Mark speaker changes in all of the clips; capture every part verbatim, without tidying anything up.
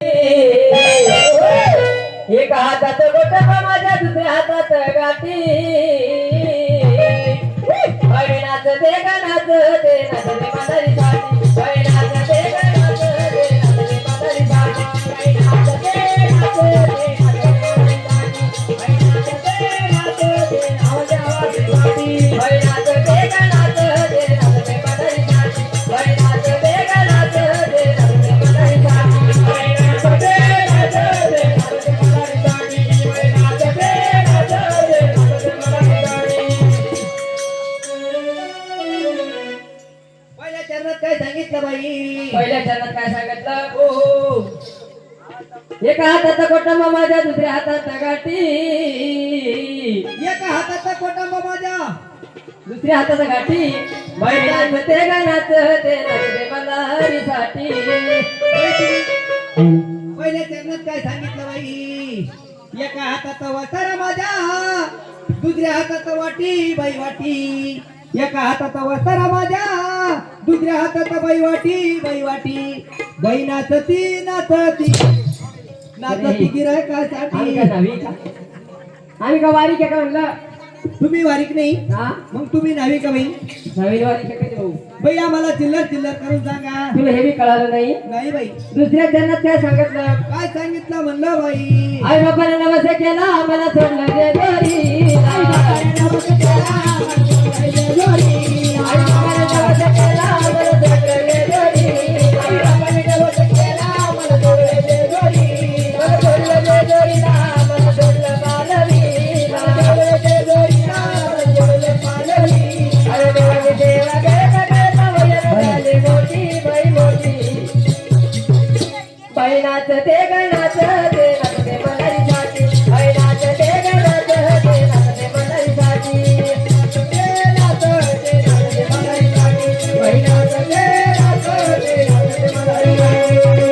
Speaker 1: एका हातात गोटबा माझ्या दुसऱ्या हातात गाठी नाच दे गा नाच दे नाच दे म्हातारी साठी नाच दे गा नाच दे नाच दे म्हातारी साठी नाच दे नाच दे नाच दे नाच दे आवाज आवाज साठी नाच दे गा नाच दे नाच दे म्हातारी साठी नाच दे गा नाच दे नाच दे म्हातारी साठी नाच दे नाच दे नाच दे म्हातारी साठी नाच दे नाच दे नाच दे नाच दे म्हातारी
Speaker 2: चरणात काय सांगितलं बाई?
Speaker 1: पहिल्या चरणात काय सांगितलं? हो एका हातात कोटंबा माझ्या दुसऱ्या हातात गाठी
Speaker 2: एका हाताचा कोटंबा माझ्या
Speaker 1: दुसऱ्या हातात गाठी बैलाच ते गानाच ते नाचते मल्हारीसाठी.
Speaker 2: पहिल्या चरणात काय सांगितलं बाई? एका हातात वसारा माझ्या दुसऱ्या हातात वाटी बाई वाटी. एका हातात वसारा माझ्या दुसऱ्या हातात बाई वाटी बाई वाटी. बाई नाचती नाचती नाचती गिरायकासाठी.
Speaker 1: आम्ही का नावी का आम्ही का वारी का म्हणलं?
Speaker 2: तुम्ही वारीक नाही
Speaker 1: हा
Speaker 2: मग तुम्ही नावी का बाई?
Speaker 1: नवीन वारी का काय भाऊ?
Speaker 2: बाई आम्हाला चिल्लर चिल्लर करून सांगा.
Speaker 1: तुला हे बी कळालं नाही?
Speaker 2: नाही बाई.
Speaker 1: दुसऱ्या चरणात काय सांगितलं?
Speaker 2: काय सांगितलं म्हणलं बाई?
Speaker 1: आई बापाने नवस केला आम्हाला सोडलं जे घरी. आई बापाने नवस केला आम्हाला सोडलं जे घरी. आई बापाने नवस केला आम्हाला सोडलं जे घरी. आई बापाने नवस केला आम्हाला सोडलं जे घरी. मला सोडलं जे घरीला मला सोडलं पालवी. मला सोडलं जे घरीला मला सोडलं पालवी. अरे देवाने देवा करता करता वयन झाली मोठी बाई मोठी. बाई नाचते ग नाचते नाचते मल्हारीसाठी. बाई नाचते ग नाचते नाचते मल्हारीसाठी. नाचते नाचते नाचते मल्हारीसाठी. बाई नाचते नाचते नाचते मल्हारीसाठी.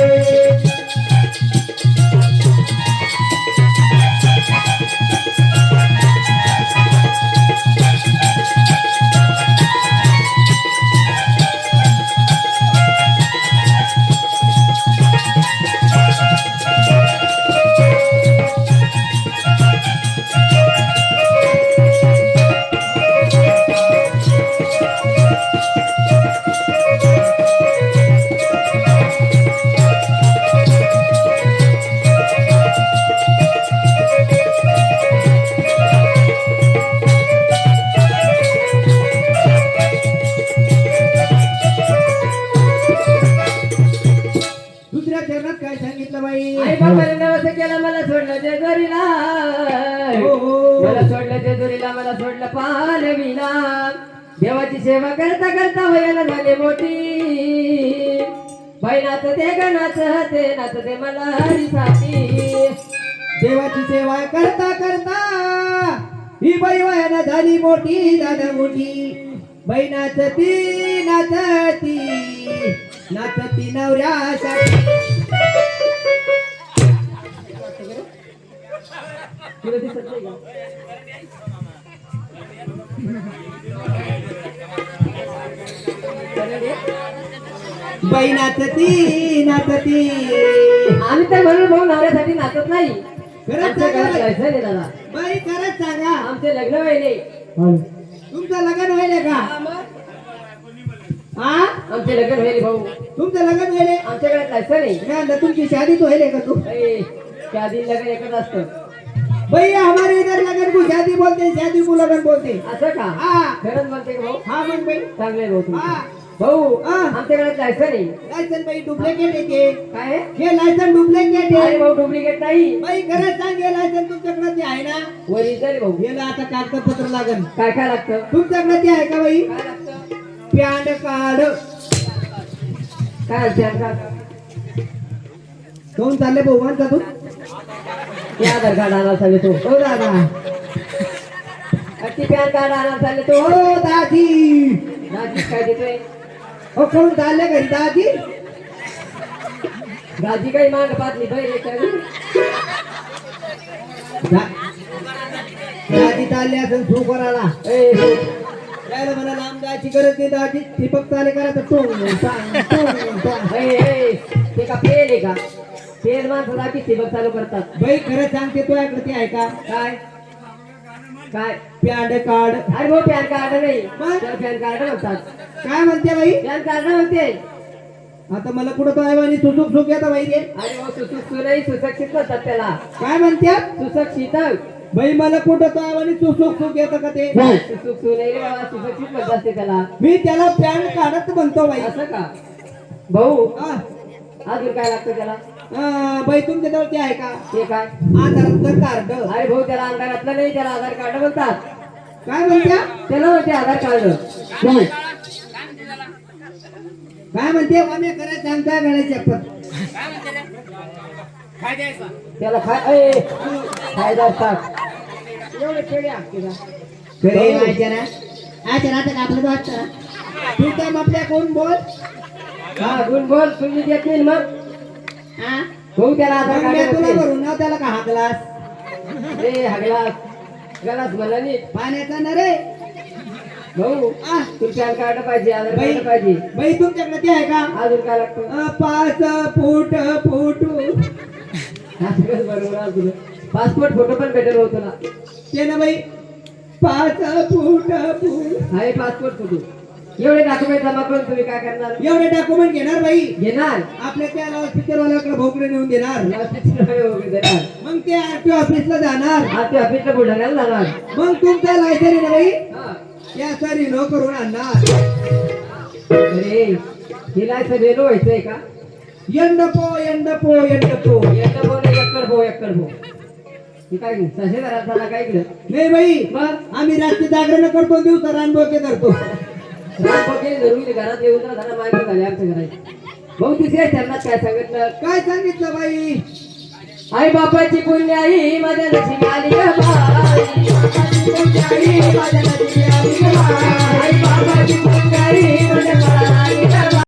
Speaker 2: दुसऱ्या चरणात काय सांगितलं बाई?
Speaker 1: आई बाबाने नवस केला मला सोडलं जे घरीला.
Speaker 2: हो, हो.
Speaker 1: मला सोडलं जे घरीला मला सोडलं पालवीला. देवाची सेवा करता करता वयाला झाले मोठी. बाई नाचते ग नाचते नाचते मल्हारीसाठी.
Speaker 2: देवाची सेवा करता करता ही बाई वयानं झाली मोठी दादा मोठी. बाई नाचती नाचती नाचती नवऱ्यासाठी.
Speaker 1: तुला दिसत नाही का?
Speaker 2: बाई नाचती नाचती.
Speaker 1: आम्ही तर म्हणून भाऊ नवऱ्यासाठी नाचत नाही.
Speaker 2: खरंच
Speaker 1: आमच्या घरात
Speaker 2: सांगा
Speaker 1: जायचं नाही दादा.
Speaker 2: बाई खरंच सांगा.
Speaker 1: आमचे लग्न व्हायले.
Speaker 2: तुमचं लग्न व्हायले का? हा
Speaker 1: आमचे लग्न व्हायले भाऊ.
Speaker 2: तुमचं लग्न व्हायले?
Speaker 1: आमच्या घरात जायचं नाही.
Speaker 2: काय म्हणलं, तुमची शादी तो व्हायले का? तू
Speaker 1: ए, त्या दिन लग्न एकच असतं.
Speaker 2: भैया हमारे इधर लगन को शादी बोलते हैं, शादी को लगन बोलते हैं.
Speaker 1: असं का?
Speaker 2: हाँ
Speaker 1: खरंच म्हणते का भाऊ?
Speaker 2: हाँ मग भाई.
Speaker 1: चांगले भाऊ तुम्ही.
Speaker 2: हाँ
Speaker 1: भाऊ
Speaker 2: हाँ.
Speaker 1: आमच्या घरात जायचं नाही.
Speaker 2: लायसन भाई डुप्लिकेट आहे ते.
Speaker 1: काय आहे?
Speaker 2: हे लायसन डुप्लिकेट
Speaker 1: अरे
Speaker 2: आहे.
Speaker 1: भाऊ डुप्लिकेट नाही.
Speaker 2: बाई खरंच सांग, हे लायसन तुमच्याकडे ते आहे ना?
Speaker 1: ओरिजिनल भाऊ.
Speaker 2: याला आता कागदपत्र लागन.
Speaker 1: काय काय लागतं?
Speaker 2: तुमच्याकडे ते आहे का बाई?
Speaker 1: काय लागतं?
Speaker 2: PAN card.
Speaker 1: काय असते का?
Speaker 2: कोण चालले भाऊ मानता तू?
Speaker 1: हे आधार कार्ड आणायला चालले तो.
Speaker 2: हो दादा.
Speaker 1: अति पॅन कार्ड आणायला चालले तो.
Speaker 2: हो दादी.
Speaker 1: दाजी काय देतोय?
Speaker 2: हो कोण चालले घरी दादी?
Speaker 1: दाजी काही माग पाहत नाही.
Speaker 2: दादी चालले असेल सू करायला.
Speaker 1: ए
Speaker 2: यायला मला लांब जायची गरज नाही दादी. ठिपक चाले करा तर टोंग टांग, टोंग टांग.
Speaker 1: ए, ए, ते का फेल आहे का फेल माणसाला की सेवक चालू करतात
Speaker 2: बाई खरं सांगते तुझ्याकडे ते आहे का
Speaker 1: काय काय
Speaker 2: पॅन कार्ड
Speaker 1: अरे भाऊ पॅन कार्ड नाही
Speaker 2: मग?
Speaker 1: त्याला पॅन कार्ड म्हणतात
Speaker 2: काय म्हणते बाई
Speaker 1: पॅन कार्ड म्हणते
Speaker 2: आता मला कुठं तो आहे सुसुक सुख येतं बाई रे
Speaker 1: अरे भाऊ सुसुक सुनई सुशिक्षित म्हणतात त्याला
Speaker 2: काय म्हणते
Speaker 1: सुशिक्षित
Speaker 2: बाई मला कुठं तो आहे सुसुक सुख येतं का ते
Speaker 1: सुसुक सुनई रे बाबा सुशिक्षित म्हणतात ते त्याला
Speaker 2: मी त्याला पॅन कार्डच म्हणतो बाई
Speaker 1: असं का भाऊ
Speaker 2: हा.
Speaker 1: अजून काय लागतं त्याला
Speaker 2: अं, बाई तुमच्या जवळ ते आहे का
Speaker 1: ते काय
Speaker 2: आधारचं कार्ड
Speaker 1: अरे भाऊ त्याला आधारातलं नाही त्याला आधार कार्ड म्हणतात
Speaker 2: काय म्हणत्या
Speaker 1: त्याला म्हणते आधार कार्ड
Speaker 2: काय म्हणते आम्ही करायचं सांगता गणाची शपथ
Speaker 1: त्याला खाय ए, फायदा असतात एवढे खेळे असते का
Speaker 2: खरे माहिती ना अच्छा नाटक आपलं वाटतं ना तू काय आपल्या कोण बोल
Speaker 1: हा गुण बोल तुम्ही देत नाही मग
Speaker 2: हा
Speaker 1: भाऊ त्याला आधार
Speaker 2: मग मी
Speaker 1: कार्ड
Speaker 2: तुला
Speaker 1: म्हणते.
Speaker 2: भरून नाव त्याला का हा ग्लास
Speaker 1: ए हा ग्लास ग्लास म्हणा नीट
Speaker 2: पाण्याचा ना रे
Speaker 1: भाऊ
Speaker 2: आ,
Speaker 1: तुला पॅन कार्ड पाहिजे आधार
Speaker 2: बाई
Speaker 1: कार्ड पाहिजे
Speaker 2: बाई तुमच्याकडे ते आहे का
Speaker 1: अजून काय लागतं
Speaker 2: अं, पाच फूट फुटू
Speaker 1: हा सगळंच बरोबर आहे तुझं पासपोर्ट फोटो पण भेटेल भाऊ तुला
Speaker 2: ते ना बाई पाच फूट फूट
Speaker 1: हा पासपोर्ट फोटो एवढे डॉक्युमेंट जमा करून तुम्ही काय करणार
Speaker 2: एवढे डॉक्युमेंट घेणार बाई
Speaker 1: घेणार
Speaker 2: आपल्या त्या लाऊडस्पीकर वाल्याकडे भोकडे नेऊन देणार
Speaker 1: देणार
Speaker 2: मग ते आरटीओ ऑफिसला जाणार
Speaker 1: हा ते ऑफिसला बुलढाण्याला जाणार
Speaker 2: मग तुमचा लायसन आहे ना बाई
Speaker 1: हा.
Speaker 2: त्या सरी नो करून आणणार
Speaker 1: अरे हिला सगळं व्हायचंय का
Speaker 2: यंडपो यंडपो यंडपो
Speaker 1: एकटा भाऊ नाही एकड भाऊ एकड भाऊ हे काय सशे घरात झाला काय इकडं
Speaker 2: नाही बाई
Speaker 1: मग
Speaker 2: आम्ही रात्री जागरण करतो दिवसा रानबोके धरतो
Speaker 1: रामभाऊचे जरुरी घरात येऊन तर झाला माहिती झाली आमच्या घरात भाऊ तिसऱ्या चरणात काय सांगितलं
Speaker 2: काय सांगितलं बाई
Speaker 1: आई बापाची पुण्याई माझ्या लक्ष्मी आली ग बाई बापाची पुण्याई माझ्या